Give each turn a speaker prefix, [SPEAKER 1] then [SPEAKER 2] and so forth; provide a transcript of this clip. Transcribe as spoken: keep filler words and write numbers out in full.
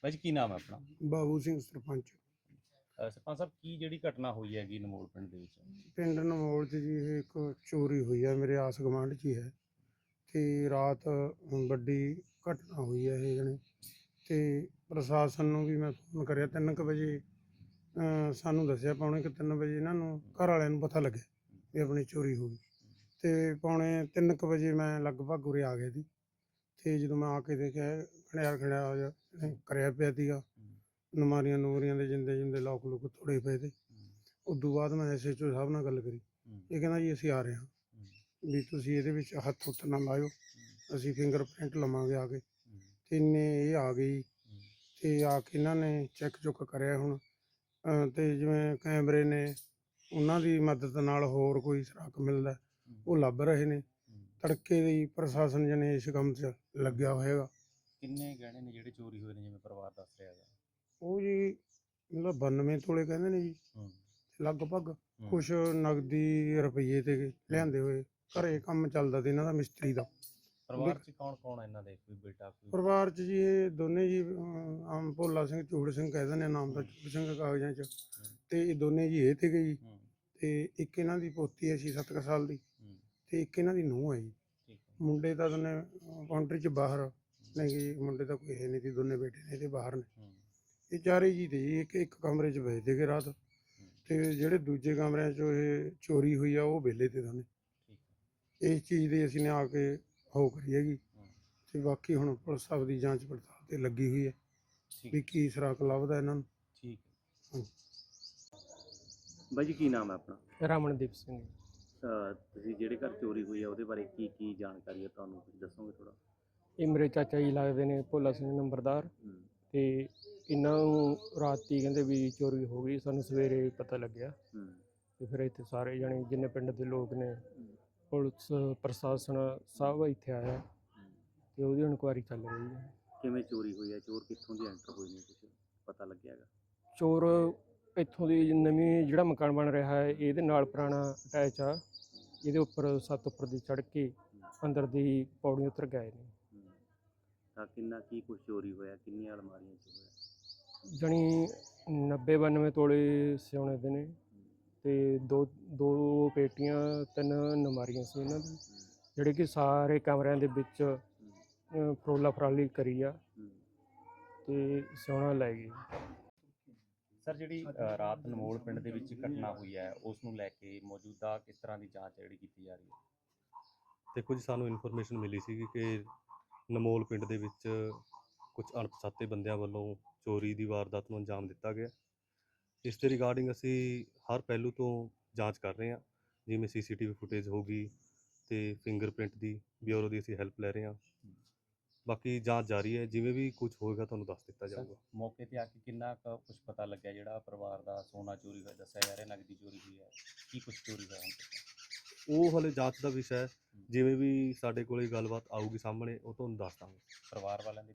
[SPEAKER 1] ਭਾਈ ਜੀ ਕੀ ਨਾਮ ਹੈ ਆਪਣਾ?
[SPEAKER 2] ਬਾਬੂ ਸਿੰਘ ਸਰਪੰਚ।
[SPEAKER 1] ਅ, ਸਰਪੰਚ ਸਾਹਿਬ ਕੀ ਜਿਹੜੀ ਘਟਨਾ ਹੋਈ ਹੈਗੀ ਨਮੋਲ ਪਿੰਡ ਦੇ ਵਿੱਚ?
[SPEAKER 2] ਪਿੰਡ ਨਮੋਲ 'ਚ ਜੀ ਇਹ ਇੱਕ ਚੋਰੀ ਹੋਈ ਹੈ, ਮੇਰੇ ਆਸ ਗੁਆਂਢ 'ਚ ਹੀ ਹੈ ਅਤੇ ਰਾਤ ਵੱਡੀ ਘਟਨਾ ਹੋਈ ਹੈ ਇਹ ਜਣੀ। ਅਤੇ ਪ੍ਰਸ਼ਾਸਨ ਨੂੰ ਵੀ ਮੈਂ ਫੋਨ ਕਰਿਆ ਤਿੰਨ ਕੁ ਵਜੇ, ਅ, ਸਾਨੂੰ ਦੱਸਿਆ ਪੌਣੇ ਕੁ ਤਿੰਨ ਵਜੇ ਇਹਨਾਂ ਨੂੰ ਘਰ ਵਾਲਿਆਂ ਨੂੰ ਪਤਾ ਲੱਗਿਆ ਵੀ ਆਪਣੀ ਚੋਰੀ ਹੋ ਗਈ। ਅਤੇ ਪੌਣੇ ਤਿੰਨ ਕੁ ਵਜੇ ਮੈਂ ਲਗਭਗ ਉਰੇ ਆ ਗਿਆ ਸੀ ਅਤੇ ਜਦੋਂ ਮੈਂ ਆ ਕੇ ਦੇਖਿਆ ਖੜਿਆ ਖੜਿਆ ਜਿਹਾ ਕਰਿਆ ਪਿਆ ਸੀਗਾ, ਨਮਾਰੀਆਂ ਨੂਰੀਆਂ ਦੇ ਜਿੰਦੇ ਜਿੰਦੇ ਲੋਕ ਲੁਕ ਤੋੜੇ ਪਏ ਤੇ। ਉਦੋਂ ਬਾਅਦ ਮੈਂ ਐਸ ਐਚ ਓ ਸਾਹਿਬ ਨਾਲ ਗੱਲ ਕਰੀ, ਇਹ ਕਹਿੰਦਾ ਜੀ ਅਸੀਂ ਆ ਰਹੇ ਹਾਂ ਵੀ ਤੁਸੀਂ ਇਹਦੇ ਵਿੱਚ ਹੱਥ ਹੁੱਥ ਨਾ ਲਾਇਓ, ਅਸੀਂ ਫਿੰਗਰ ਪ੍ਰਿੰਟ ਲਵਾਂਗੇ ਆ ਕੇ। ਅਤੇ ਇੰਨੇ ਇਹ ਆ ਗਈ ਅਤੇ ਆ ਕੇ ਇਹਨਾਂ ਨੇ ਚੈੱਕ ਚੁੱਕ ਕਰਿਆ ਹੁਣ, ਅਤੇ ਜਿਵੇਂ ਕੈਮਰੇ ਨੇ ਉਹਨਾਂ ਦੀ ਮਦਦ ਨਾਲ ਹੋਰ ਕੋਈ ਸੁਰਾਖ ਮਿਲਦਾ ਉਹ ਲੱਭ ਰਹੇ ਨੇ। ਤੜਕੇ ਦੀ ਪ੍ਰਸ਼ਾਸਨ ਜਣੇ ਇਸ ਕੰਮ 'ਚ ਲੱਗਿਆ ਹੋਏਗਾ।
[SPEAKER 1] ਕਿੰਨੇ ਗਹਿਣੇ ਨੇ ਜਿਹੜੇ ਚੋਰੀ ਹੋਏ ਨੇ ਜਿਵੇਂ ਪਰਿਵਾਰ ਦੱਸ ਰਿਹਾ ਹੈਗਾ?
[SPEAKER 2] ਉਹ ਜੀ ਮਤਲਬ ਬਾਨਵੇਂ ਤੋਲੇ ਕਹਿੰਦੇ ਨੇ ਜੀ ਲਗਭਗ। ਕੁਛ ਨਗਦੀ ਰੁਪਈਏ ਤੇ ਲਿਆਂਦੇ ਹੋਏ, ਘਰੇ ਕੰਮ ਚੱਲਦਾ ਤੇ ਇਹਨਾਂ ਦਾ ਮਿਸਤਰੀ ਦਾ।
[SPEAKER 1] ਪਰਿਵਾਰ 'ਚ ਕੌਣ ਕੌਣ ਇਹਨਾਂ ਦੇ? ਕੋਈ ਬੇਟਾ ਕੋਈ?
[SPEAKER 2] ਪਰਿਵਾਰ 'ਚ ਜੀ ਇਹ ਦੋਨੇ ਜੀ, ਆਮ ਭੋਲਾ ਸਿੰਘ ਚੂੜ ਸਿੰਘ ਕਹਿ ਦਿੰਦੇ ਨਾਮ ਦਾ, ਚੂੜ ਸਿੰਘ ਕਾਗਜ਼ਾਂ 'ਚ, ਅਤੇ ਇਹ ਦੋਨੇ ਜੀ ਇਹ ਤੇ ਗਏ ਜੀ। ਅਤੇ ਇੱਕ ਇਹਨਾਂ ਦੀ ਪੋਤੀ ਹੈ ਛੇ ਸੱਤ ਕੁ ਸਾਲ ਦੀ, ਅਤੇ ਇੱਕ ਇਹਨਾਂ ਦੀ ਨੂੰਹ ਹੈ ਜੀ। ਮੁੰਡੇ ਤਾਂ ਦੋਨੇ ਕਾਊਂਟਰੀ 'ਚ ਬਾਹਰ ਨੇ ਜੀ, ਮੁੰਡੇ ਤਾਂ ਕੋਈ ਹੈ ਨਹੀਂ ਸੀ, ਦੋਨੇ ਬੇਟੇ ਨੇ ਇਹਦੇ ਬਾਹਰ ਨੇ। ਇਹ ਚਾਰੇ ਜੀ ਤੇ ਜੀ ਇੱਕ ਇੱਕ ਕਮਰੇ 'ਚ ਬੈਠ ਸੀਗੇ ਰਾਤ, ਅਤੇ ਜਿਹੜੇ ਦੂਜੇ ਕਮਰਿਆਂ 'ਚੋਂ ਇਹ ਚੋਰੀ ਹੋਈ ਆ ਉਹ ਵਿਹਲੇ ਤੇ ਦੋਨੇ। ਇਸ ਚੀਜ਼ ਦੀ ਅਸੀਂ ਨੇ ਆ ਕੇ ਹੋ ਕਰੀ ਹੈਗੀ, ਅਤੇ ਬਾਕੀ ਹੁਣ ਪੁਲਿਸ ਆਪਦੀ ਜਾਂਚ ਪੜਤਾਲ 'ਤੇ ਲੱਗੀ ਹੋਈ ਹੈ ਵੀ ਕੀ ਸੁਰਾਖ ਲੱਭਦਾ ਇਹਨਾਂ ਨੂੰ।
[SPEAKER 1] ਠੀਕ ਹੈ ਬਾਈ ਜੀ ਕੀ ਨਾਮ ਹੈ ਆਪਣਾ?
[SPEAKER 3] ਰਮਨਦੀਪ ਸਿੰਘ।
[SPEAKER 1] ਅ, ਤੁਸੀਂ ਜਿਹੜੇ ਘਰ ਚੋਰੀ ਹੋਈ ਹੈ ਉਹਦੇ ਬਾਰੇ ਕੀ ਕੀ ਜਾਣਕਾਰੀ ਹੈ ਤੁਹਾਨੂੰ, ਕੁਝ ਦੱਸੋਗੇ ਥੋੜ੍ਹਾ? ਇਹ
[SPEAKER 3] ਮੇਰੇ ਚਾਚਾ ਜੀ ਲੱਗਦੇ ਨੇ, ਭੋਲਾ ਸਿੰਘ ਨੰਬਰਦਾਰ, ਅਤੇ ਇਹਨਾਂ ਨੂੰ ਰਾਤੀ ਕਹਿੰਦੇ ਵੀ ਚੋਰੀ ਹੋ ਗਈ, ਸਾਨੂੰ ਸਵੇਰੇ ਪਤਾ ਲੱਗਿਆ। ਅਤੇ ਫਿਰ ਇੱਥੇ ਸਾਰੇ ਜਣੇ ਜਿੰਨੇ ਪਿੰਡ ਦੇ ਲੋਕ ਨੇ, ਪੁਲਿਸ ਪ੍ਰਸ਼ਾਸਨ ਸਭ ਇੱਥੇ ਆਇਆ ਅਤੇ ਉਹਦੀ ਇਨਕੁਆਇਰੀ ਚੱਲ ਰਹੀ ਹੈ।
[SPEAKER 1] ਕਿਵੇਂ ਚੋਰੀ ਹੋਈ ਹੈ? ਚੋਰ ਕਿੱਥੋਂ ਦੀ ਐਂਟਰ ਹੋਏ ਨੇ, ਕੁਝ ਪਤਾ ਲੱਗਿਆ ਹੈਗਾ?
[SPEAKER 3] ਚੋਰ ਇੱਥੋਂ ਦੀ ਨਵੀਂ ਜਿਹੜਾ ਮਕਾਨ ਬਣ ਰਿਹਾ ਹੈ ਇਹਦੇ ਨਾਲ ਪੁਰਾਣਾ ਅਟੈਚ ਆ, ਇਹਦੇ ਉੱਪਰ ਛੱਤ ਉੱਪਰ ਦੀ ਚੜ੍ਹ ਕੇ ਅੰਦਰ ਦੀ ਪੌੜੀ ਉਤਰ ਗਏ ਨੇ।
[SPEAKER 1] ਤਾਂ ਕਿੰਨਾ ਕੀ ਕੁਛ ਚੋਰੀ ਹੋਇਆ, ਕਿੰਨੀਆਂ ਅਲਮਾਰੀਆਂ 'ਚ ਹੋਇਆ?
[SPEAKER 3] ਜਣੀ ਨੱਬੇ ਬਾਨਵੇਂ ਤੋਲੇ ਸਿਉਣੇ ਦੇ ਨੇ, ਅਤੇ ਦੋ ਦੋ ਪੇਟੀਆਂ ਤਿੰਨ ਨਮਾਰੀਆਂ ਸੀ ਇਹਨਾਂ ਦੀ, ਜਿਹੜੇ ਕਿ ਸਾਰੇ ਕਮਰਿਆਂ ਦੇ ਵਿੱਚ ਫਰੋਲਾ ਫਰਾਲੀ ਕਰੀ ਆ ਅਤੇ ਸਿਉਣਾ ਲੈ ਗਏ।
[SPEAKER 1] ਸਰ ਜਿਹੜੀ ਰਾਤ ਨਮੋਲ ਪਿੰਡ ਦੇ ਵਿੱਚ ਘਟਨਾ ਹੋਈ ਹੈ ਉਸ ਨੂੰ ਲੈ ਕੇ ਮੌਜੂਦਾ ਕਿਸ ਤਰ੍ਹਾਂ ਦੀ ਜਾਂਚ ਜਿਹੜੀ ਕੀਤੀ ਜਾ ਰਹੀ ਹੈ?
[SPEAKER 4] ਦੇਖੋ ਜੀ, ਸਾਨੂੰ ਇਨਫੋਰਮੇਸ਼ਨ ਮਿਲੀ ਸੀ ਕਿ ਨਮੋਲ ਪਿੰਡ ਦੇ ਵਿੱਚ ਕੁਝ ਅਣਪਛਾਤੇ ਬੰਦਿਆਂ ਵੱਲੋਂ ਚੋਰੀ ਦੀ ਵਾਰਦਾਤ ਨੂੰ ਅੰਜਾਮ ਦਿੱਤਾ ਗਿਆ। ਇਸ ਦੇ ਰਿਗਾਰਡਿੰਗ ਅਸੀਂ ਹਰ ਪਹਿਲੂ ਤੋਂ ਜਾਂਚ ਕਰ ਰਹੇ ਹਾਂ, ਜਿਵੇਂ ਸੀ ਸੀ ਟੀ ਵੀ ਫੁਟੇਜ ਹੋ ਗਈ ਅਤੇ ਫਿੰਗਰਪ੍ਰਿੰਟ ਦੀ ਬਿਊਰੋ ਦੀ ਅਸੀਂ ਹੈਲਪ ਲੈ ਰਹੇ ਹਾਂ। ਬਾਕੀ ਜਾਂਚ ਜਾਰੀ ਹੈ, ਜਿਵੇਂ ਵੀ ਕੁਝ ਹੋਏਗਾ ਤੁਹਾਨੂੰ ਦੱਸ ਦਿੱਤਾ ਜਾਊਗਾ।
[SPEAKER 1] ਮੌਕੇ 'ਤੇ ਆ ਕੇ ਕਿੰਨਾ ਕੁ ਕੁਛ ਪਤਾ ਲੱਗਿਆ? ਜਿਹੜਾ ਪਰਿਵਾਰ ਦਾ ਸੋਨਾ ਚੋਰੀ ਹੋਇਆ ਦੱਸਿਆ ਜਾ ਰਿਹਾ, ਨਗਦੀ ਚੋਰੀ ਹੋਈ ਹੈ, ਕੀ ਕੁਛ ਚੋਰੀ ਹੋਇਆ ਹੁਣ ਤੱਕ?
[SPEAKER 4] ਉਹ ਹਲੇ ਜਾਂਚ ਦਾ ਵਿਸ਼ਾ ਹੈ, ਜਿਵੇਂ ਵੀ ਸਾਡੇ ਕੋਲ ਗੱਲਬਾਤ ਆਊਗੀ ਸਾਹਮਣੇ ਉਹ ਤੁਹਾਨੂੰ ਦੱਸ ਦਾਂਗੇ।
[SPEAKER 1] ਪਰਿਵਾਰ ਵਾਲਿਆਂ ਦੀ